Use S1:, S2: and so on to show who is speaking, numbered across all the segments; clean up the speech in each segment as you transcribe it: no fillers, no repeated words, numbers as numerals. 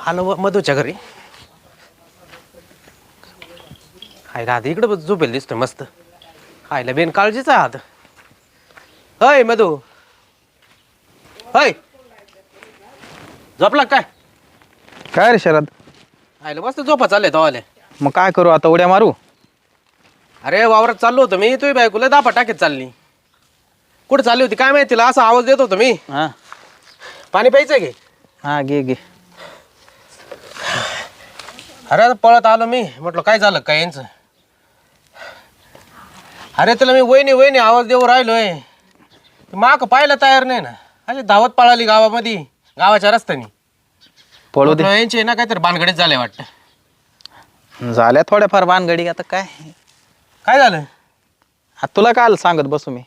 S1: आलो मधूच्या घरी. हाय राहते इकडं झोपेल दिसतोय मस्त. हायला बेन काळजीचा हात. हय मधू, हय झोपला काय?
S2: काय रे शरद?
S1: हायला मस्त झोपा चालले तवाले.
S2: मग काय करू आता, उड्या मारू?
S1: अरे वावरात चाललो होतो मी, तुझी बायकोला दापा टाकीत चालली. कुठं चालली होती काय माहिती, तिला असा आवाज देत होतो मी.
S2: हा
S1: पाणी प्यायचं घे.
S2: हा घे घे.
S1: अरे आता पळत आलो मी, म्हटलं काय झालं काय यांचं. अरे तुला मी वहिनी वहिनी आवाज देऊ राहिलोय, माग पाहायला तयार नाही ना. अरे धावत पळाली गावामध्ये, गावाच्या रस्त्याने.
S2: पळू दे.
S1: यांचे ना काहीतरी भानगडीत झाले वाटतं.
S2: झाल्या थोड्याफार भानगडी, आता काय
S1: काय झालं?
S2: तुला काय सांगत बसू मी?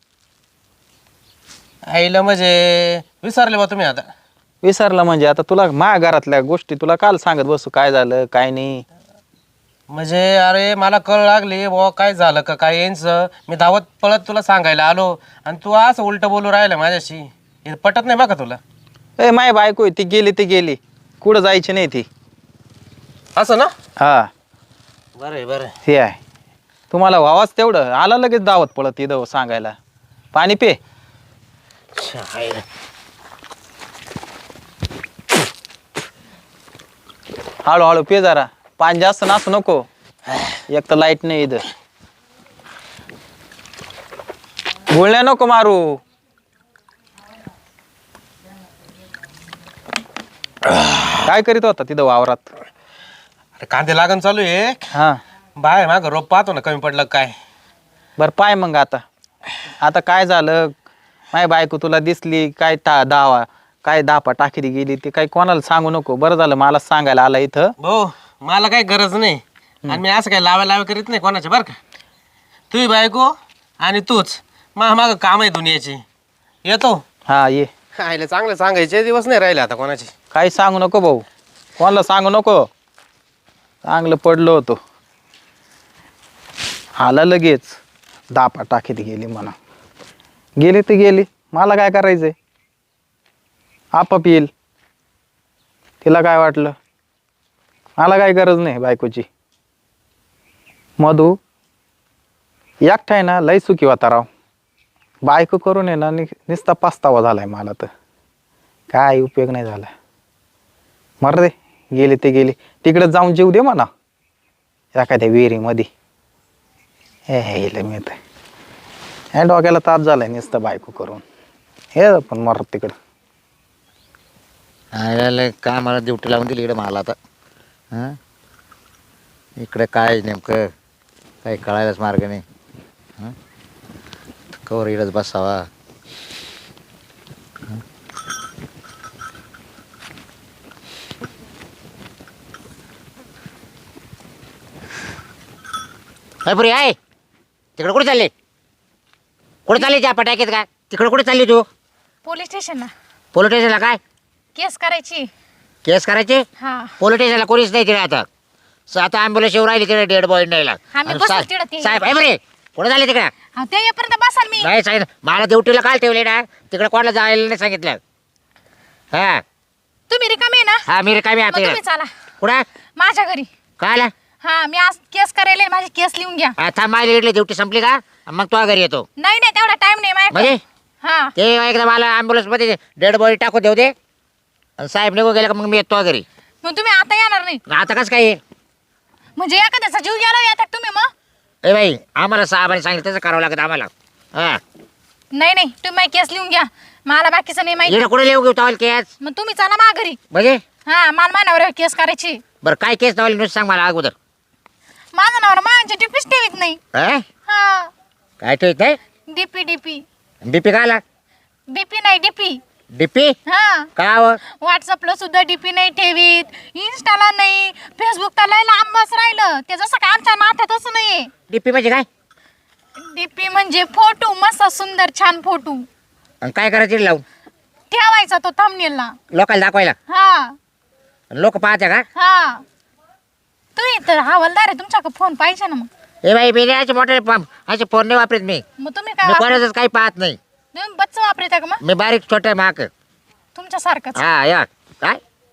S1: आईला म्हणजे विसरले बा तुम्ही आता.
S2: विसरला म्हणजे आता तुला माझ्या घरातल्या गोष्टी तुला काल सांगत बसू, काय झालं काय नाही.
S1: म्हणजे अरे मला कळ लागली बुवा काय झालं का काय यांचं. मी धावत पळत तुला सांगायला आलो आणि तू असं उलट बोलू राहिलं माझ्याशी. हे पटत नाही बघा तुला.
S2: ए माय बायको आहे, ती गेली कुठं जायची नाही ती.
S1: असं ना?
S2: हा
S1: बरं बरं.
S2: हे आहे, तुम्हाला व्हावाच तेवढं आला लगेच दावत पळत इथं सांगायला. पाणी पे. हळूहळू पे जरा, पाणी जास्त नासू नको. एक तर लाईट नाही इथं. गुळण्या नको मारू. काय करीत होता तिथं वावरात?
S1: अरे कांदे लागण चालू आहे.
S2: हा
S1: बाय माग रोप पाहतो ना कमी पडलं काय.
S2: बर पाय मग आता काय झालं? माय बायको तुला दिसली काय दावा काय दापा टाकीरी गेली ते काही कोणाला सांगू नको. बरं झालं मला सांगायला आला इथं.
S1: भाऊ मला काही गरज नाही आणि मी असं काही लावा करीत नाही कोणाच्या. बरं का, तुझी बायको आणि तूच माग काम आहे दुनियाची. येतो.
S2: हा ये.
S1: आईला चांगलं सांगायचे दिवस नाही राहिले आता कोणाचे.
S2: काही सांगू नको भाऊ, कोणाला सांगू नको. चांगलं पडलो होतो, आला लगेच दापा टाकीत गेली म्हणा. गेली तर गेली, मला काय करायचंय? आपाप येईल. तिला काय वाटलं? मला काय गरज नाही बायकोची. मधू एकटा आहे ना, लय सुखी होता राव. बायको करून आहे ना नुसता पस्तावा झालाय मला. तर काय उपयोग नाही झाला. मर दे, गेली ते गेली. तिकडे जाऊन जेव दे म्हणा एखाद्या विहिरीमध्ये. हे मी तर ह्या डोक्याला ताप झालाय नुसतं बायको करून. हे पण मर तिकडं.
S3: काय मला ड्युटी लावून दिली इकडे मला आता. हां इकडे काय नेमकं काही कळायलाच मार्ग नाही. हां कवर इकडंच बसावा. पुरी आहे तिकडे कुठे चालले? कुठे चालले त्या पटाक्यात? काय तिकडे कुठे चालली तू?
S4: पोलीस स्टेशनला.
S3: पोलीस स्टेशनला काय
S4: केस करायची.
S3: केस करायचे?
S4: हा
S3: पोलीस स्टेशनला कोणीच नाही तिकडे आता. आता ॲम्ब्युलन्स येऊ राहिली तिकडे डेड बॉडी न्यायला.
S4: आम्ही बसू तिकडे ते.
S3: साहेब आहे बरे कुठे झाले तिकडे?
S4: ते येईपर्यंत बसाल मी.
S3: नाही साहेब मला ड्युटीला काल ठेवले ना, तिकडे कोणाला जायला नाही सांगितलं. हा
S4: तुम्ही रिकामे आहे ना?
S3: हा मी रिकामी
S4: मग
S3: आता
S4: तुम्ही चला
S3: कुठं
S4: माझ्या घरी.
S3: काय आला?
S4: हा मी आज केस करायला आहे, माझी केस लिहून घ्या.
S3: आता माझी इडली ड्युटी संपली का मग तो घरी येतो.
S4: नाही नाही तेवढा टाइम नाही माझ्याकडे.
S3: म्हणजे
S4: हा
S3: ते एकदा मला ॲम्ब्युलन्स मध्ये डेड बॉडी टाकू देऊ दे. आणि साहेब निघून गेला का मग मी येतो घरी.
S4: मग तुम्ही आता येणार नाही
S3: आता कसं काय?
S4: म्हणजे एखाद्याचा जीव गेला येतात तुम्ही मग?
S3: ए बाई आम्हाला साहेबांनी सांगितलं तसं करावं लागतं आम्हाला. हा
S4: नाही नाही तुम्ही माझी केस लिहून घ्या, मला बाकीचं नाही माहिती.
S3: इकडे कुठे लिहू घेऊ तवाल केस?
S4: मग तुम्ही चला माझ्या घरी.
S3: म्हणजे
S4: हा मला माझ्यावर केस करायची.
S3: बरं काय केस तवाल नुसतं सांग मला अगोदर.
S4: माझं नावर माझ्या टिपीच ठेवीत नाही.
S3: हा
S4: हा
S3: काय ठेवत नाही?
S4: DP DP.
S3: बीपी काय आला?
S4: डीपी नाही डीपी.
S3: डीपी
S4: हा
S3: का हवं?
S4: व्हॉट्सअपला सुद्धा डीपी नाही ठेवीत, इंस्टाला नाही, फेसबुकला लय लांबच राहिलं. ते जसं काय आमच्या नात्यात असं नाहीये.
S3: डीपी म्हणजे काय?
S4: डीपी म्हणजे फोटो, मस्त सुंदर छान फोटो
S3: आणि काय करायचं लावून
S4: ठेवायचा तो थंबनेलला
S3: लोकांना दाखवायला.
S4: हा
S3: लोक पाहते का?
S4: हा तुम्ही तर हवालदार आहे, तुमच्याकडे फोन पाहिजे ना. मग
S3: ए बाई मी असे मोठे असे फोन नाही वापरत मी.
S4: मग तुम्ही काय
S3: मी
S4: वापर-
S3: कोणाचंच काही पाहत नाही.
S4: तुम्ही बच्च वापरता का? मग
S3: मी बारीक छोटे माक
S4: तुमच्यासारखंच.
S3: हा या काय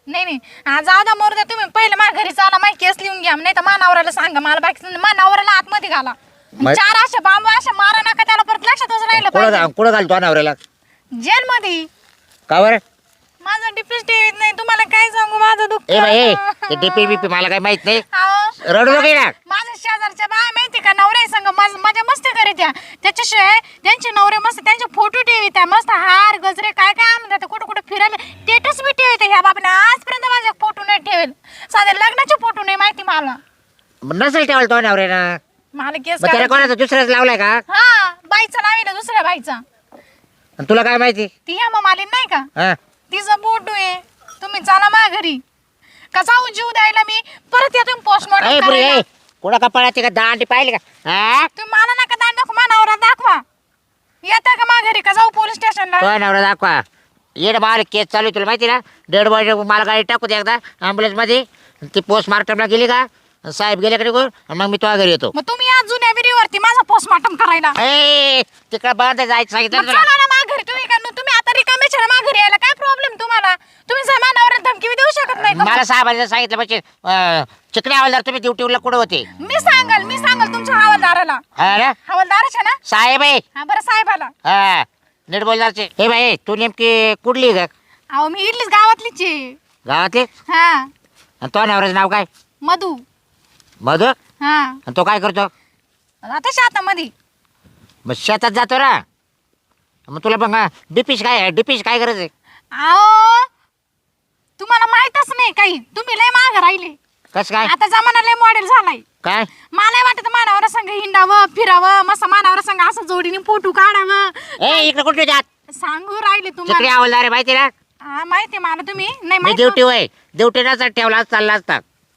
S4: नाही नाही जाऊ द्या मरू द्या तुम्ही पहिले माझ्या घरी चाला माझी केस लिहून घ्या नाही तर मानावराला सांगा मला बाकी मानावराला आतमध्ये घाला
S3: मै-
S4: 4 अशा बांबू अशा मारा नका त्याला परत लक्षातच राहिलं पाहिजे
S3: कुठं घालतो नवऱ्याला
S4: जेल मध्ये
S3: का बरं
S4: माझं डिफेन्स टीव्हीत नाही तुम्हाला काय सांगू माझं दुःख
S3: ए बाई ते डीपी बीपी मला काय माहित नाही
S4: अहो,
S3: रडू नको ना
S4: माझ्या शेजारच्या बाय माहिती का नवऱ्या संग माझ्या मस्ती करीत्या त्याच्याशिवाय त्यांचे नवरे मस्त त्यांचे फोटो ठेवित्या मस्त हार गजरे काय काय आणून देतात कुठं कुठं फिरायला स्टेटस बी ठेवते ह्या बाबाने आजपर्यंत माझे फोटो नाही ठेवेल साधे लग्नाचे फोटो नाही माहिती मला
S3: नसेल ठेवाल तो नवऱ्यानं
S4: मला केस
S3: मग त्याला कोणाचा दुसऱ्याच लावलाय का
S4: हा बाईचा लाविला दुसऱ्या बाईचा
S3: आणि तुला काय माहिती
S4: ती ह्या मालिन नाही का
S3: हा
S4: तिचा फोटो आहे तुम्ही चला माझ्या घरी का जाऊ जीव द्यायला मी परत या तुम्ही पोस्टमॉर्टम करायला
S3: कुणा कपाळाची का दांडी पाहिली का हा
S4: तुम्ही मला नका दांड दाखवा मानावरा दाखवा येता का माझ्या घरी का जाऊ पोलीस स्टेशनला
S3: तो नवरा दाखवा येड मला केस चालू आहे तुला माहिती ना 1.5 वर्ष मला गाडी टाकू दे एकदा ॲम्ब्युलन्स मध्ये ती पोस्टमार्टमला गेली का साहेब गेले का निघून आणि मग मी तुझ्या घरी येतो
S4: मग तुम्ही या जुन्या विहिरीवरती माझा पोस्टमॉर्टम करायला
S3: ए तिकडे बंद जायचं सांगितलं
S4: मग
S3: ना तुला
S4: चला ना माझ्या घरी तुम्ही का तुम्ही आता रिकामे छान माझ्या घरी यायला काय प्रॉब्लेम तुम्हाला तुम्ही जमानावर धमकी बी देऊ शकत नाही का?
S3: मला साहेबांनी सांगितलं म्हणजे चिकणे हवालदार तुम्ही ड्युटीला कुठं होते
S4: मी सांगाल तुमच्या हवालदाराला
S3: हा ना
S4: हवालदाराच्या ना
S3: साहेब आहे
S4: हा बरं साहेबाला
S3: हा नीट बोलदारचे हे बाई तू नेमकी कुठली आहे का
S4: अहो मी इडलीच गावातलीच आहे
S3: गावातली
S4: हा
S3: आणि तो नवऱ्याचं नाव काय
S4: मधू
S3: मधु
S4: हा
S3: आणि तो काय करतो
S4: आता शेतामध्ये
S3: मग शेतात जातो ना मग तुला मग डिपीश काय गरज आहे
S4: अहो तुम्हाला माहितच नाही काही तुम्ही लय माग राहिले
S3: कसं काय
S4: आता जमाना लय मॉडेल झालाय
S3: काय
S4: मला वाटत मानावर संग हिंडावं फिरावं मस्त मानावर संग असं जोडीने फोटो काढावं
S3: ए इकडे कुठे जात
S4: सांगू राहिले
S3: चिकणे
S4: तुम्हाला
S3: हवालदार आहे माहिती ना
S4: हा माहिती मला तुम्ही नाही
S3: मी
S4: माहिती
S3: ड्युटी होय ड्युटी नसता ठेवला चालला असता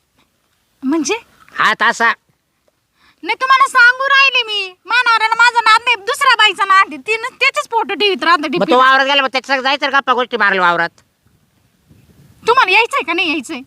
S4: म्हणजे
S3: हात असा
S4: नाही तुम्हाला सांगू राहिले मी मानावराला माझं नाद नाही दुसऱ्या बाईचा नाद आहे तिनं त्याचेच फोटो ठेवीत राहत
S3: मग तो वावरात गेला मग त्याच्या जायचं गप्पा गोष्टी मारल्या वावरात
S4: तुम्हाला यायचंय का नाही यायचंय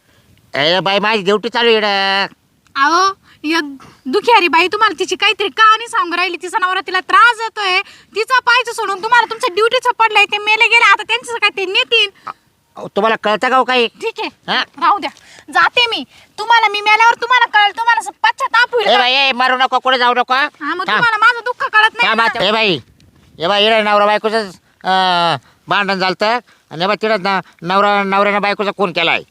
S3: ए बाई माझी ड्युटी चालू आहे
S4: अहो एक दुखियारी बाई तुम्हाला तिची काहीतरी कहाणी सांगू राहिली तिचा नवरा तिला त्रास देतोय तिचा पायचं सोडून तुम्हाला तुमच्या ड्युटीचं पडलंय ते मेले गेले आता त्यांचं काय ते नेतील
S3: तुम्हाला कळतं का हो काही
S4: ठीक आहे
S3: हा?
S4: राहू द्या जाते मी तुम्हाला मी मेल्यावर तुम्हाला कळलं तुम्हाला असं पश्चाताप होईल
S3: ए
S4: का?
S3: बाई ए मारू नको कुठे जाऊ नको
S4: हा मग
S3: थांब.
S4: तुम्हाला माझं दुःख कळत नाही
S3: थांब
S4: ना.
S3: आता. ए बाई नवरा बायकोच भांडण झालं आणि बा तिला नवऱ्यानं बायकोचा खून केलाय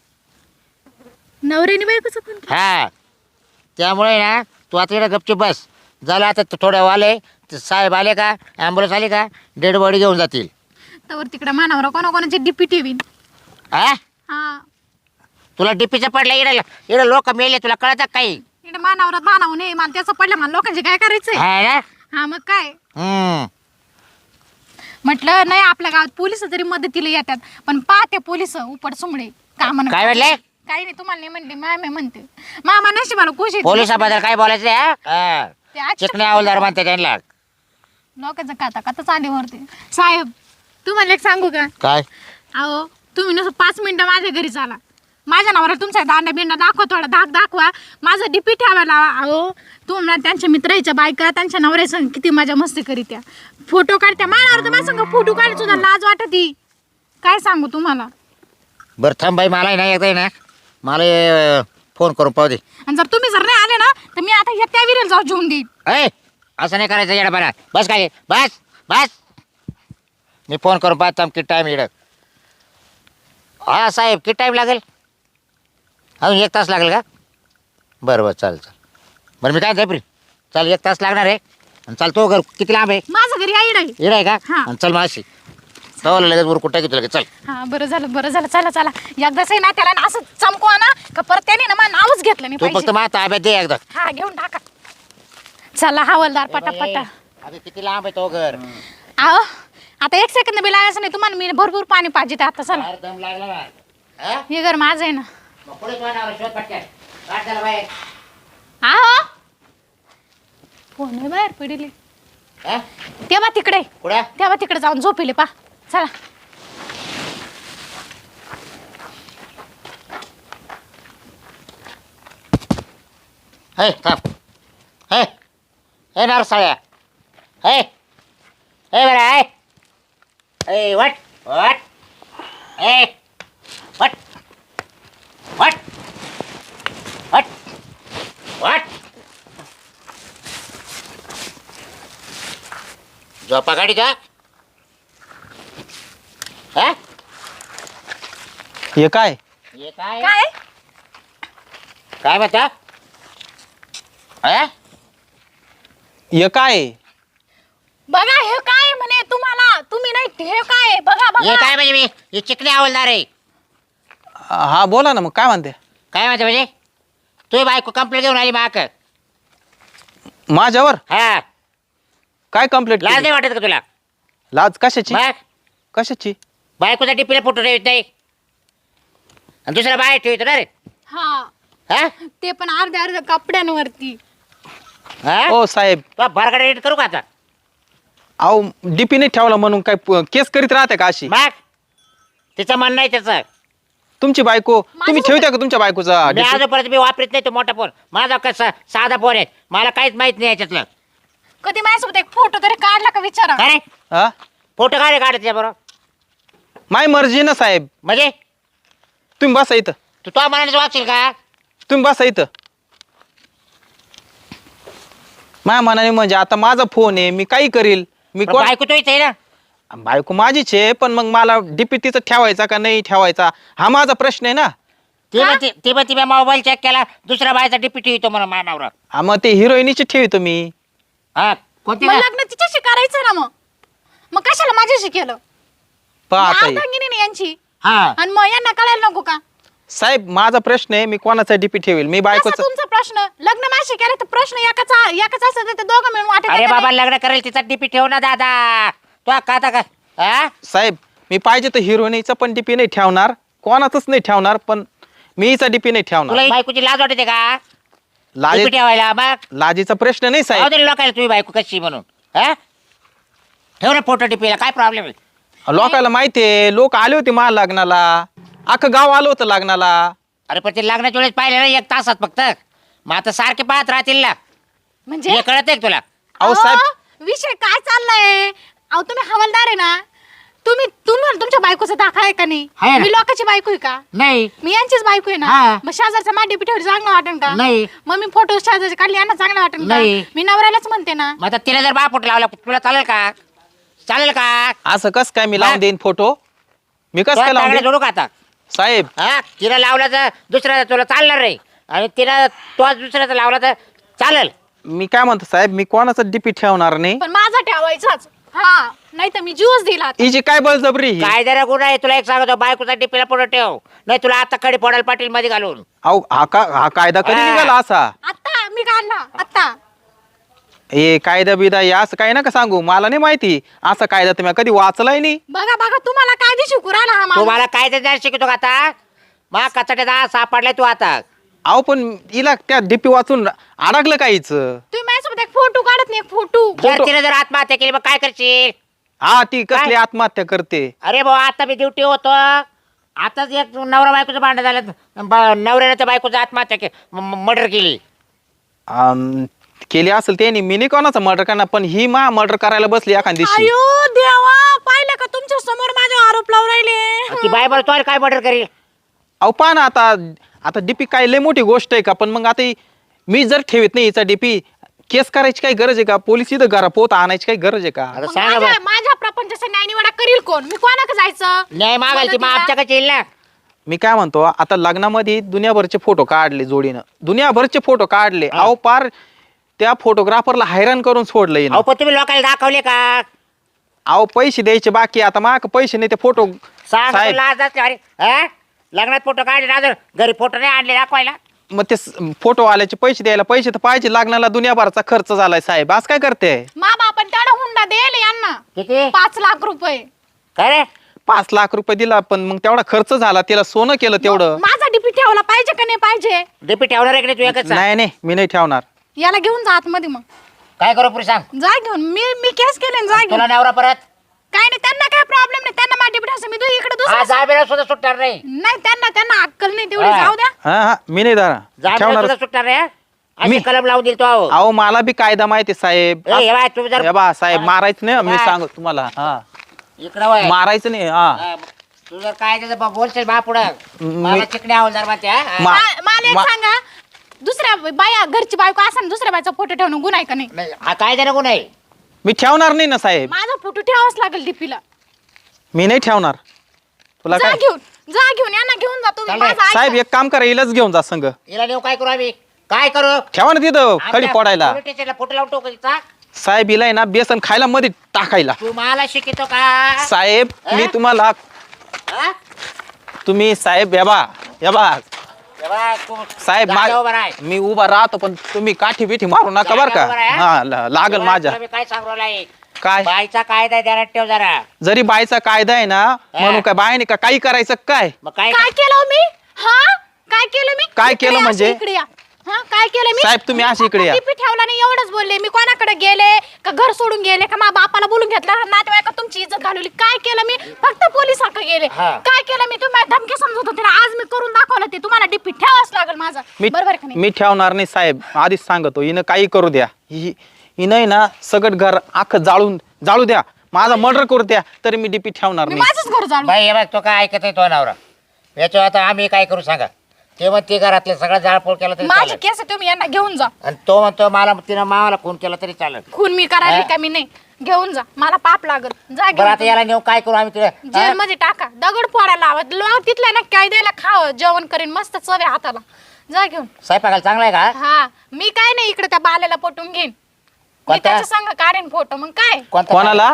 S4: नवऱ्याने बायकोचं पण
S3: हा त्यामुळे ना तू आता इकडे गपचूप बस झालं आता थोड्या आले साहेब आले का ॲम्ब्युलन्स आली का डेड बॉडी घेऊन जातील
S4: तर तिकडे मानावर कोणाकोणाची डीपी ठेवीन
S3: हा
S4: हा
S3: तुला डीपीचं पडलं इकडे लोक मेले तुला कळतात काही
S4: इकडे मानावरात बाणावं नाही मला त्याचं पडलं मला लोकांचे काय करायचंय
S3: हा ना
S4: हा मग काय
S3: हम्म.
S4: म्हटलं नाही आपल्या गावात पोलिस जरी मदतीला येतात पण पाहते पोलिस उपट सुमडे काम
S3: काय म्हणले
S4: काही नाही तुम्हाला नाही म्हणले माय म्हणते मामा नशिबाला खुश आहे.
S3: पोलिसाबद्दल काय बोलायचं रे, हा?
S4: ते आज
S3: चिकणे हवालदार म्हणते त्यांना
S4: लोकांचं काता चालीवरती साहेब तुम्हाला एक सांगू का
S3: काय
S4: अहो तुम्ही नुसतं 5 मिनिटं माझ्या घरी चाला माझ्या नावाला तुमचा दांडा बिंडा दाखवा थोडा धाक दाखवा माझं डीपी ठेवायला लावा अहो तुम्हाला त्यांच्या मित्राच्या बायका त्यांच्या नवऱ्यासंग किती मजा मस्ती करीत्या फोटो काढत्या माझ्यावर तर माझ्या संग फोटो काढायला सुद्धा लाज वाटती काय सांगू तुम्हाला
S3: बरं थांब बाई मला नाही येत आहे ना मला फोन करून पाहू दे
S4: आणि जर तुम्ही जर नाही आले ना तर मी आता त्या विरेल जाऊ जेवून देईन
S3: ए असं नाही करायचं येडा बरा बस काय बस बस मी फोन करून पाहतो किती टाईम येड हा साहेब किती टाईम लागेल अजून 1 तास लागेल का बरं बरं चालेल बरं मी काय जायप्री चाल 1 तास लागणार आहे आणि चाल तो घर किती लांब आहे
S4: माझं घरी आईड आहे
S3: येड आहे का
S4: हा.
S3: आणि चल माशी तवाला लगेच वर कुठं घेतो लगेच चल
S4: हा बरं झालं चला एकदाच आहे ना त्याला ना असं चमकवा ना का परत त्याने ना माझं नावच घेतलं नाही
S3: तू फक्त
S4: पाहिजे
S3: मला ताब्यात दे एकदा
S4: हा घेऊन टाका चला हवालदार पटापटा
S3: अगं किती लांब आहे तो घर
S4: आहो आता 1 सेकंद बी लागायचं नाही तुम्हाला मी भरपूर पाणी पाहिजे ते आता चला
S3: फार दम लागला ना हा?
S4: हे घर माझं आहे ना
S3: मग पुढे तो नाव शोध पटकन काढ त्याला बाहेर
S4: आहो फोन आहे बाहेर पडले
S3: हा?
S4: तेव्हा तिकडे
S3: कुठं
S4: तेव्हा तिकडे जाऊन झोपिले पा चला
S3: हे थांब हे नारसाळ्या हे बरं हे वट हे वट वाट वाट वाट झोपा गाडी का हा
S2: हे काय
S3: हे काय
S4: काय
S3: काय म्हणता हा
S2: हे काय
S4: बघा हे काय म्हणे तुम्हाला तुम्ही नाही हे काय बघा
S3: हे
S4: बघा
S3: काय म्हणजे मी हे चिकणे आवडणार आहे
S2: हा बोला ना मग काय म्हणते
S3: काय म्हणते म्हणजे तू बायको कंप्लेंट घेऊन आली माक
S2: माझ्यावर
S3: हा
S2: काय कंप्लेंट
S3: लाज नाही वाटत का तुला
S2: लाज कशाची
S3: मग
S2: कशाची
S3: बायकोचा टिपीला फोटो ठेवत नाही आणि दुसरा बाहेर ठेवतो ना रे
S4: हा
S3: हा
S4: ते पण अर्ध्या अर्ध्या कपड्यांवरती
S3: हा
S2: ओ साहेब
S3: तुला भरकडे एडिट करू का आता
S2: अहो डीपी नाही ठेवला म्हणून काय केस करीत राहते का अशी
S3: मग तिचं म्हणणं आहे त्याचं
S2: तुमची बायको तुम्ही ठेवता का तुमच्या बायकोचा
S3: मी आजपर्यंत मी वापरत नाही तो मोठा फोन माझा कसा साधा फोन आहे मला काहीच माहित नाही याच्यातलं
S4: कधी माझ्यासोबत एक फोटो तरी काढला का विचारा
S3: काय रे
S2: हा
S3: फोटो काय रे काढायचे बरोबर
S2: माय मर्जी ना साहेब
S3: म्हणजे
S2: तुम्ही बसा इथं
S3: तू तो मनाने वाचशील का
S2: तुम्ही बसा इथं माझ्या मनाने म्हणजे आता माझा फोन आहे मी काही करील मी
S3: पण
S2: कोण
S3: बायको तो इथे आहे ना
S2: बायको माझीच आहे पण मग मला डीपी तिचं ठेवायचा का नाही ठेवायचा हा माझा प्रश्न आहे ना
S3: ती पण मी मोबाईल चेक केला दुसऱ्या बायचा डीपीटी येतो मला मानावर
S2: हा मग ते हिरोईनीची ठेवतो मी
S3: हा कोणती
S4: मग
S3: का?
S4: लग्न तिच्याशी करायचं ना मग कशाला माझ्याशी केलं
S2: पहा आता हे.
S4: अर्धांगिनी नाही यांची
S3: हा
S4: आणि मग यांना कळायला नको का
S2: साहेब माझा प्रश्न आहे मी कोणाचा डीपी ठेवेल मी
S4: कसा
S2: बायकोचा
S4: तुमचा प्रश्न लग्न माझ्याशी केलं तर प्रश्न एकाच असं तर ते दोघं मिळून वाटत
S3: अरे बाबा लग्न करेल तिचा डीपी ठेव ना दादा तो का हा
S2: साहेब मी पाहिजे तर हिरोईनीचा पण डीपी नाही ठेवणार कोणाचाच नाही ठेवणार पण मी हिचा डीपी नाही ठेवणार
S3: तुला बायकोची लाज वाटते का
S2: लाजी
S3: डीपी ठेवायला मग
S2: लाजीचा प्रश्न नाही साहेब
S3: लोकायला तुम्ही बायको कशी म्हणून हा ठेव ना फोटो डीपीला काय प्रॉब्लेम आहे
S2: लोकांना माहितीये लोक आले होते मला लग्नाला अख्खं गाव आलं होतं लग्नाला
S3: अरे पण ते लग्नाच्या वेळेस पाहिले ना 1 तासात फक्त मग आता सारखे पाहत राहतील ना
S4: म्हणजे
S3: हे कळत आहे तुला
S2: अहो साहेब
S4: विषय काय चाललाय अहो तुम्ही हवालदार आहे ना तुम्ही तुमच्या बायकोचा दाखला आहे का
S3: आहे
S4: नाही
S3: ना.
S4: मी लोकांची बायको आहे का
S3: नाही
S4: मी यांचीच बायको आहे ना
S3: हा.
S4: मग शेजारचा माझ्या पिठेवर चांगलं वाटेल का
S3: नाही.
S4: मग मी फोटो शेजारचे काढले यांना चांगलं वाटेल का
S3: नाही.
S4: मी नवऱ्यालाच म्हणते ना
S3: मग आता तिला जर बापोट लावला तुला चालेल का चालेल का
S2: असं कस काय मी लावून देईन फोटो मी कस काय लावून देईन
S3: जोडू का आता
S2: साहेब
S3: हा तिला लावला तर दुसऱ्याचा तुला चालणार नाही आणि तिला तो दुसऱ्याचा लावला तर चालेल
S2: मी काय म्हणतो साहेब मी कोणाचा डीपी ठेवणार नाही
S4: पण माझा ठेवायचाच हा नाही तर मी ज्यूस दिला आता.
S2: हिची काय बळजबरी ही?
S3: काय जरा गुन्हा आहे तुला एक सांगतो बायकोचा टिपीला पुढे ठेव नाही तुला आता कडे पडाल पाटील मध्ये घालून
S2: अहो हा कायदा कधी
S3: हा.
S2: निघाला असा
S4: आत्ता मी काढला आत्ता
S2: हे कायदा बिदा हे असं काही नका सांगू मला नाही माहिती असा कायदा तुम्ही कधी वाचलाय नाही
S4: बघा बघा तुम्हाला काय दिसू कुराला हा
S3: तू
S4: माणूस.
S3: मला काय ते शिकतो का आता मग कचड्यात सापडलाय तू आता
S2: अहो पण हिला त्या डीपी वाचून अडकलं काहीच
S4: तुम्ही माझ्यासोबत एक फोटो काढत नाही एक फोटो
S3: जर तिने जर आत्महत्या केली मग काय करशील
S2: हा ती कसली
S3: काय?
S2: आत्महत्या करते
S3: अरे भाऊ आता मी ड्युटी होतो आताच एक नवरा बायकोचं भांडण झालं नवऱ्याने त्या बायकोचं आत्महत्या मर्डर केली
S2: केली असेल त्यांनी मी नाही कोणाचा मर्डर करणार पण ही मर्डर करायला बसली एखाद दिवशी
S4: अयो देवा पाहिलं का तुमच्या समोर माझे आरोप लावून राहिले
S3: ती बाय बरं तो काय मर्डर करील
S2: अहो पहा ना आता डीपी काय लय मोठी गोष्ट आहे का पण मग आता मी जर ठेवत नाही हिचा डीपी केस करायची काही गरज आहे का पोलीस इथं घरा पोत आणायची काही गरज आहे का
S3: आता
S4: मग
S3: सांगा बरं
S4: माझ्या प्रपंचाचा न्यायनिवाडा करील कोण मी कोणाकडे जायचं
S3: न्याय मागायची मग
S4: मदतीला?
S3: आमच्याकडे येईल ना
S2: मी काय म्हणतो आता लग्नामध्ये दुनियाभरचे फोटो काढले जोडीनं दुनियाभरचे फोटो काढले अहो पार त्या फोटोग्राफरला हैराण करून सोडलं हिनं.
S3: अहो पण तुम्ही लोकांना दाखवले का
S2: अहो पैसे द्यायचे बाकी आता माग पैसे नाही ते फोटो
S3: सांग
S2: साहेब
S3: लाज असते अरे हा? लग्नात फोटो काढले ना जर घरी फोटो नाही आणले दाखवायला
S2: मग ते फोटो वाल्याचे पैसे द्यायला पैसे तर पाहिजे लग्नाला दुनियाभरचा खर्च झालाय साहेब आज काय करते
S4: मा बापन तेवढा हुंडा देईल यांना
S3: किती
S4: 5 लाख रुपये
S3: काय रे
S2: 5 लाख रुपये दिला पण मग तेवढा खर्च झाला तिला सोनं केलं तेवढं
S4: माझा डीपी ठेवला पाहिजे का नाही पाहिजे
S3: डीपी ठेवणार आहे की नाही तू एकच सांग.
S2: नाही नाही मी नाही ठेवणार
S4: याला घेऊन जा आतमध्ये मग
S3: काय करू पुरी सांग
S4: जा घेऊन मी केस केले जा घेऊन
S3: तुला नवरा परत
S4: काय नाही त्यांना काय प्रॉब्लेम नाही त्यांना माझ्या डीपी ठेवायचं मी इकडे दुसरं
S3: आज जामीला सुद्धा सुटणार नाही
S4: नाही त्यांना अक्कल नाही तेवढी
S3: हा.
S4: जाऊ द्या
S2: हा मी नाही दारा
S3: जामीला
S2: ठेवणार
S3: सुद्धा सुटणार नाही हा? अशी
S2: मी-
S3: कलम लावून दिल तो अहो.
S2: अहो मला बी कायदा माहिती साहेब
S3: ए, हे बाय, तुम्ही जर
S2: हे बा साहेब मारायचं नाही मी
S3: बाय.
S2: सांगतो तुम्हाला हा
S3: इकडं वळ.
S2: मारायचं नाही हा
S3: हा, तू जर काय त्याचं बोलशील बा पुढं मला चिकण्या हवलदार बा त्या
S2: मा-
S4: मला एक सांगा, दुसऱ्या बाया घरची बायको असं दुसऱ्या बायचा फोटो ठेवणं गुन्हा आहे का नाही?
S3: नाही हा काय जरा गुन्हा आहे
S2: मी ठेवणार नाही ना साहेब,
S4: माझा फोटो ठेवावाच लागेल डीपीला.
S2: मी नाही ठेवणार. तुला
S4: जा
S2: काय
S4: घेऊन यांना घेऊन जातो
S3: चालेल.
S4: माझा ऐका.
S2: साहेब एक काम करा, हिलाच घेऊन जा संग.
S3: हिला नेऊ काय करू आम्ही काय करू
S2: ठेवा ना तिथं खडी पडायला.
S3: पोलीस स्टेशनला फोटो लावून टाकू तिचा.
S2: साहेब हिला आहे ना बेसन खायला मध्ये टाकायला.
S3: तू मला शिकतो का
S2: साहेब मी तुम्हाला
S3: हा?
S2: तुम्ही साहेब या बा
S3: तेव्हा तू
S2: साहेब
S3: जागा उभा राह.
S2: मी उभा राहतो पण तुम्ही काठी बिठी मारू नका बर का.
S3: जागा उभा राह.
S2: हा लागल
S3: तेव्हा
S2: माझ्या.
S3: तुला मी काय सांगू राहिलोय?
S2: काय
S3: बाईचा कायदा आहे, ध्यानात ठेव जरा.
S2: जरी बायचा कायदा आहे ना म्हणून काय बायने का काही करायचं काय.
S3: मग काय
S4: काय केलं हो मी? काय केलं मी?
S2: काय
S4: इकडे
S2: केलं
S4: या,
S2: म्हणजे?
S4: इकडे या. काय केलं मी?
S2: साहेब, तुम्ही अशी इकडे या.
S4: डीपी ठेवला नाही एवढंच बोलले मी. कोणाकडे गेले का घर सोडून गेले का माझ्या बापाला बोलून घेतलं नातेवाईका तुमची इज्जत घालवली? काय केलं मी? फक्त पोलिसाकडे गेले.
S3: हा.
S4: काय केलं मी? तुम्ही धमकी समजत होते ना, आज मी करून दाखवलं ते. तुम्हाला डीपी ठेवाच लागेल माझा. बरोबर का नाही?
S2: मी ठेवणार नाही साहेब, आधीच सांगतो. हिनं काही करू द्या, हिनं ना सगळं घर अख्खं जाळू द्या, माझा मर्डर करू द्या, तरी मी डीपी ठेवणार
S4: मी
S2: नाही.
S4: माझंच घर जाणून.
S3: बाई हे बघ तो काय ऐकत आहे तो नवरा याच्यावर आता आम्ही काय करू सांगा. ते म्हणते घरातले सगळं जाळपोळ केला तरी
S4: माझी
S3: चालेल
S4: केस आहे, तुम्ही यांना घेऊन जा.
S3: आणि तो म्हणतो मला तिनं मावाला खून केला तरी चालेल.
S4: खून मी करायला
S3: हा?
S4: का मी नाही. घेऊन जा, मला पाप लागल. जा
S3: बरं आता
S4: घेऊन.
S3: याला नेऊ काय करू आम्ही तिला
S4: जेल मध्ये टाका, दगड फोडायला लावा. लोक तिथल्या ना काय द्यायला खावं, जेवण करीन मस्त चव आहे हाताला. जा घेऊन.
S3: स्वयंपाकाला चांगला आहे का
S4: हा मी काय नाही इकडे त्या बाल्याला पटवून घेईन. मी
S3: कोणता?
S4: त्याच्या संग काढीन फोटो. मग काय
S3: कोणता
S2: कोणाला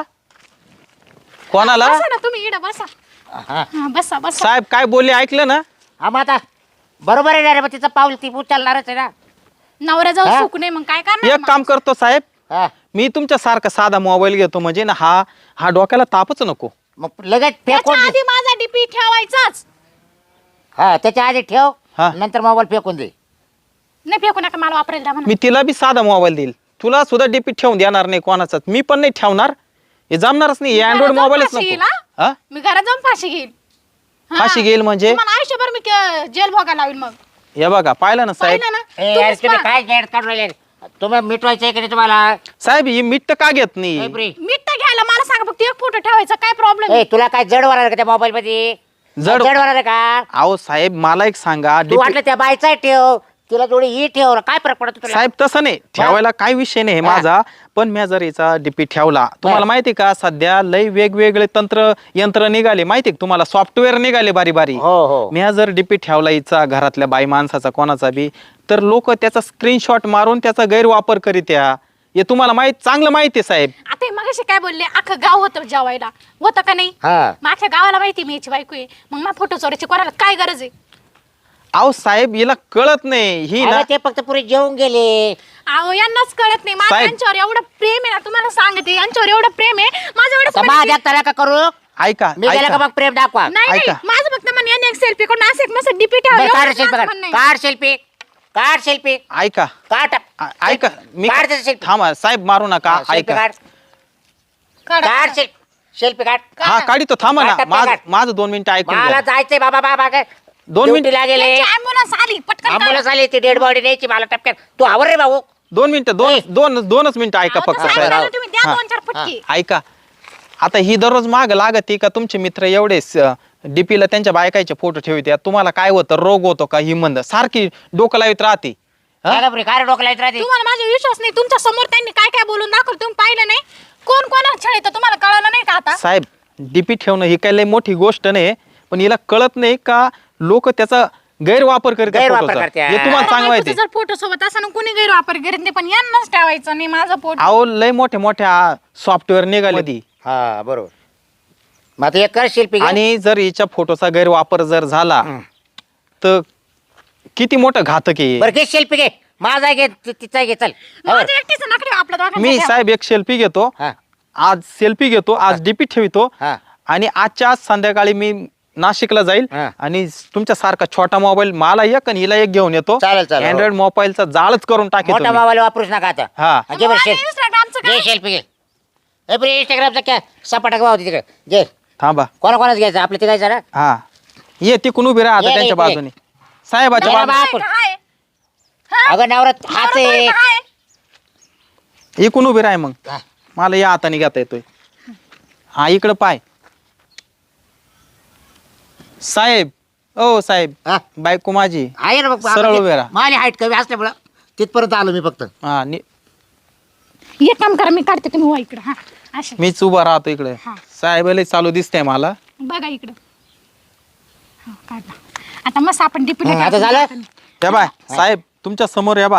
S4: बसा ना तुम्ही इकडे बसा.
S3: हा
S4: हा, बसा बसा.
S2: साहेब काय बोलले ऐकलं ना.
S3: हा मग आता बरोबर आहे ना रे, मग तिचं पाऊल ती उचलणारच आहे ना.
S4: नवरा जाऊ
S3: हा?
S4: सुख नाही मग काय करणार
S2: एक
S4: मग?
S2: काम करतो साहेब,
S3: हा
S2: मी तुमच्या सारखा साधा मोबाईल घेतो म्हणजे ना हा डोक्याला तापच नको.
S3: मग लगेच
S4: त्याच्या
S3: फेकून दे.
S4: आधी माझा डीपी ठेवायचाच
S3: हा त्याच्या आधी ठेव
S2: हा.
S3: नंतर मोबाईल फेकून दे.
S4: नाही. फेकू नका, मला वापरायला द्या म्हणा.
S2: मी तिला बी साधा मोबाईल देईल, तुला सुद्धा डीपी ठेवून देणार नाही कोणाचाच. मी पण नाही ठेवणार, हे जमणारच नाही.
S4: घरात
S2: अँड्रॉइड
S4: जाऊन
S2: मोबाईलच
S4: फाशी येईल,
S2: नको.
S4: हा?
S2: हा
S4: मी घरात जाऊन फाशी घेईल. हा.
S2: फाशी घेईल म्हणजे
S4: तुम्हाला आयुष्यभर मी जेल भोगायला लावीन. मग
S2: हे बघा पाहिलं ना साहेब.
S4: पाहिलं ना
S3: ए, यार,
S4: तुम्हीच
S3: तुम्ही
S4: पहा.
S3: काय गैर काढून राहिले तुम्ही मिटवायचं आहे की नाही तुम्हाला
S2: साहेब ही मीठ तर का घेत
S3: ए,
S2: नाही.
S3: ब्री.
S4: मीठ तर घ्यायला मला सांगा फक्त एक फोटो ठेवायचा. काय प्रॉब्लेम
S3: ए तुला काय जड वाढणार का त्या मोबाईल मध्ये
S2: जड-
S3: जड वाढणार का
S2: अहो साहेब मला एक सांगा,
S3: तू वाटलं त्या बायचा ठेव तिला जोडी ही ठेव काय फरक पडतो तुला
S2: साहेब तसं नाही ठेवायला काय विषय नाही हे माझा. पण मी जर याचा डीपी ठेवला, तुम्हाला माहिती का सध्या लय वेगवेगळे यंत्र निघाले माहिती का तुम्हाला, सॉफ्टवेअर निघाले बारी बारी.
S3: हो हो
S2: मी जर डीपी ठेवला हिचा घरातल्या बाई माणसाचा कोणाचा बी, तर लोक त्याचा स्क्रीनशॉट मारून त्याचा गैरवापर करीत हे तुम्हाला चांगलं माहिती आहे साहेब.
S4: आता मगाशी काय बोलले, अख्खं गाव होतं जेवायला, होतं का नाही?
S3: हा
S4: माझ्या गावाला माहिती मी याची बायको आहे. मग मला फोटो चोरायची कोणाला काय गरज आहे?
S2: अहो साहेब हिला कळत नाही ही ना.
S3: अगं, ते फक्त पुरे जेवून गेले
S4: अहो यांनाच कळत नाही. माझं
S2: साहेब.
S4: यांच्यावर एवढं प्रेम आहे ना, तुम्हाला सांगते यांच्यावर एवढं प्रेम आहे. माझं
S3: आता
S4: एवढं
S3: माझ्या त्याला का करू
S2: ऐका
S3: मी गेला का
S2: ऐका
S3: मग प्रेम दाखवा
S4: नाही नाही,
S2: ऐका.
S4: माझं फक्त म्हणणं यांनी एक सेल्फी करून असं एक मस्त डीपी ठेवा.
S3: बरं, काढ
S4: एवढंच
S3: सेल्फी
S4: माझं
S3: काढ
S4: म्हणणं आहे.
S3: काढ सेल्फी काढ सेल्फी
S2: ऐका
S3: काढ
S2: ऐका मी
S3: काढ त्याचा selfie.
S2: थांबा साहेब मारू नका.
S3: सेल्फी
S2: ऐका
S3: काढ
S4: काढा.
S3: काढ सेल्फी काढ
S2: हा काढतो थांबा ना.
S3: काढ, काढ.
S2: माझं 2 मिनिटं ऐकून
S3: मला
S2: घ्या.
S3: जायचंय बाबा बाबा काय
S2: 2 मिनिटं
S3: ड्युटीला गेले
S4: यांची ambulance आली पटकन काढा.
S3: आंबुलन्स आली ती डेड बॉडी द्यायची मला टपक्यात तू आवर रे भाऊ
S2: 2 मिनिटं
S3: ए.
S2: दोनच मिनिटं ऐका
S4: अहो,
S2: फक्त
S4: तसं
S2: साहेब.
S4: ऐकायला तुम्ही द्या
S2: हा.
S4: 2-4 फटके.
S2: ऐका आता ही दररोज माग लागते का तुमचे मित्र एवढे डीपीला त्यांच्या बायकाचे फोटो ठेवतात, तुम्हाला काय होतं रोग होतो का ही मंद सारखी डोकं लावित राहते. हा?
S3: काय गं काय डोकं लावत राहते
S4: तुम्हाला माझा विश्वास नाही. तुमच्या समोर त्यांनी काय काय बोलून दाखवलं तुम्ही पाहिलं नाही. कोण कोणाला छळीत तुम्हाला कळलं नाही का आता?
S2: साहेब डीपी ठेवणं ही काही लय मोठी गोष्ट नाही, पण हिला कळत नाही का लोक त्याचा गैरवापर करतात
S3: गैरवापर
S2: फोटोचा.
S3: करतात.
S2: हे तुम्हाला चांगलं माहिती आहे.
S4: जर फोटो सोबत असं कुणी गैरवापर करीत नाही, पण यांनाच ठेवायचं नाही माझा फोटो.
S2: अहो लय मोठ्या सॉफ्टवेअर निघाले
S3: हा बरोबर मग आता एक कर शिल्पी घे.
S2: आणि जर हिच्या फोटोचा गैरवापर जर झाला तर किती मोठं घातक आहे.
S3: बरं घे शिल्पी घे माझा घे तिचा घे चल
S4: माझं एकटीचं नखरे आपल्या दोघांच्या
S2: मी
S4: ठेवा.
S2: साहेब एक सेल्फी घेतो,
S3: हा
S2: आज सेल्फी घेतो, आज डीपी ठेवतो
S3: हा
S2: आणि आजच्या आज संध्याकाळी मी नाशिकला जाईल
S3: हा.
S2: आणि तुमच्या सारखा छोटा मोबाईल मला एक आणि हिला एक घेऊन येतो.
S3: चालेल, चालेल.
S2: अँड्रॉइड मोबाईलचा जाळच करून
S3: मोठा
S2: टाकेल.
S3: मोबाईल वापरूच नका आता
S2: हा.
S3: घे बरं
S4: आणि
S3: शेल्फी
S4: Instagramचं काय?
S3: घे शिल्पी घे ए बरं इंस्टाग्रामचा काय सपाटा होती तिकडे घे
S2: थांबा
S3: कोणाच घ्यायचं आपलं ते घ्यायचं ना
S2: हा ये तिकून उभी राहा आता
S3: ये,
S2: त्यांच्या
S3: ये, ये.
S2: बाजूने साहेबाच्या
S3: नाही,
S2: बाजूने.
S3: बाप.
S4: काय? हा?
S3: अगं नवरात हाच आहे
S4: नवरा काय?
S2: इकून उभी राह मग
S3: हा.
S2: मला या हाताने घेता येतोय. हा इकडं पाय साहेब ओ साहेब
S3: हा?
S2: बायको माझी
S3: आहे ना मग
S2: सरळ उभे राहा.
S3: माझी हाईट कमी असल्यामुळं तिथपर्यंत आलो मी फक्त.
S2: हा
S4: एक काम करा, मी काढते, तुम्ही वा इकडं. हा असे
S2: मीच उभा राहतो इकडे.
S4: हा.
S2: साहेब लय चालू दिसतंय मला.
S4: बघा इकडं. हा, काढला. आता मस्त आपण डीपी
S3: आता झालं?
S2: या बाय साहेब तुमच्या समोर या बा.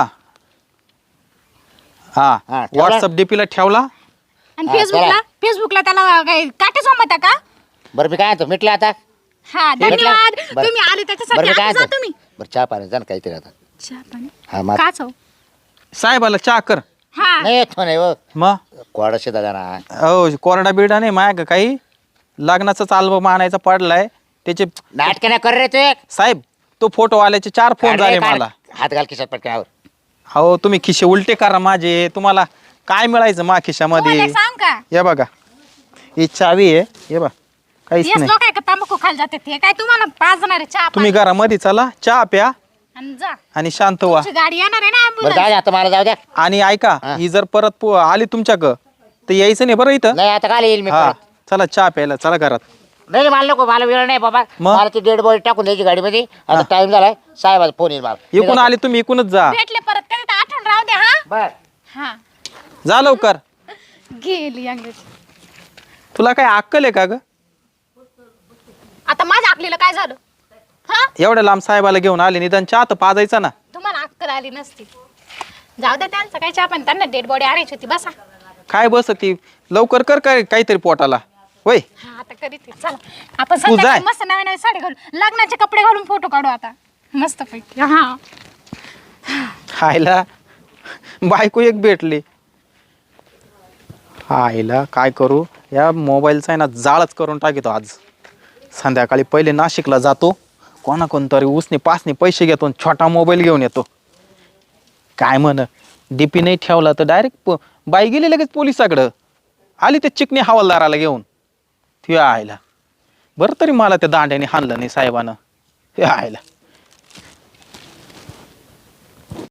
S2: हा
S3: हा, ठेवला?
S2: व्हॉट्सअप डीपीला ठेवला.
S4: आणि
S3: हा,
S4: फेसबुकला त्याला काय काटे सोमत का?
S3: बरं मी काय म्हणतो मिटलं आता.
S4: हा धन्यवाद.
S3: बरं.
S4: तुम्ही आले
S3: बरं
S4: त्याच्यासाठी.
S3: मी काय
S4: आता जा
S3: म्हणतो
S4: तुम्ही.
S3: बरं चहा पाणी जा ना काहीतरी आता.
S4: चहा पाणी
S3: हा मग
S4: काच हो.
S2: साहेबाला चहा कर.
S4: हा
S3: नाही येतो नाही हो
S2: मग
S3: कोडाशे दादा ना.
S2: हो कोरडा बिरडा नाही माया का काही लग्नाचाच अल्बम आणायचा पडलाय त्याचे.
S3: नाटक नाही कर रे तू एक.
S2: साहेब तो फोटो आल्याचे 4 फोन झाले मला.
S3: हात घाल खिशात पटकन.
S2: हो तुम्ही खिशे उलटे करा माझे. तुम्हाला काय मिळायचं मा
S4: तुम्हाला
S2: खिशामध्ये.
S4: एक सांग का?
S2: या बघा ही चावी आहे. ये बा काहीच
S4: येस
S2: नाही.
S4: लोक आहे का तांबाखू खायला जाते ते काय तुम्हाला पाजणार आहे चहा
S2: तुम्ही
S4: पाणी?
S2: घरामध्ये चला चहा प्या
S4: आणि जा.
S2: आणि शांत व्हा.
S4: तुमची गाडी येणार आहे ना
S3: बरं
S4: ambulance.
S3: जाऊ दे आता मला जाऊ द्या.
S2: आणि ऐका
S3: हा.
S2: ही जर परत आली तुमच्याकडं तर यायचं नाही बरं इथं.
S3: नाही आता काल येईल मी
S2: हा
S3: परत.
S2: चला चहा प्यायला चला घरात.
S3: नाही नाही, मला नको मला वेळ नाही बाबा.
S2: मग?
S3: मला ती डेड बॉडी टाकून द्यायची गाडीमध्ये. आता टाइम झालाय साहेबाचा फोन येईल मला.
S2: इकून आले तुम्ही इकूनच जा.
S4: भेटले परत कधी तर आठवण राहू द्या. हा
S3: बर
S4: हा
S2: जा लवकर.
S4: गेली अंग्रेज.
S2: तुला काय अक्कल आहे का ग.
S4: आता माझ्या आकलीला काय झालं? हा
S2: एवढ्या लांब साहेबाला घेऊन आले निदान चहा तर पाजायचा ना.
S4: तुम्हाला अक्कल आली नसती. जाऊ दे त्यांचं काय चहा पण त्यांना डेड बॉडी आणायची होती. बसा.
S2: काय बस ती लवकर कर काय काहीतरी पोटाला होय.
S4: हा आता करीत चला आपण
S2: तू
S4: संध्याकाळी
S2: जाय.
S4: मस्त नवीन नवीन साडी घालून लग्नाचे कपडे घालून फोटो काढू आता मस्त पैकी. हा
S2: आईला बायको एक भेटली. आईला काय करू या मोबाईलचा आहे ना जाळच करून टाकतो आज. संध्याकाळी पहिले नाशिकला जातो कोणाकोणतरी उसने पासने पैसे घेतो आणि छोटा मोबाईल घेऊन येतो. काय म्हण डीपी नाही ठेवला तर डायरेक्ट बाई गेली लगेच पोलिसाकडं. आली ते चिकणी हवालदाराला घेऊन. ती आईला बरं तरी मला त्या दांड्याने हाणलं नाही साहेबानं. हे आईला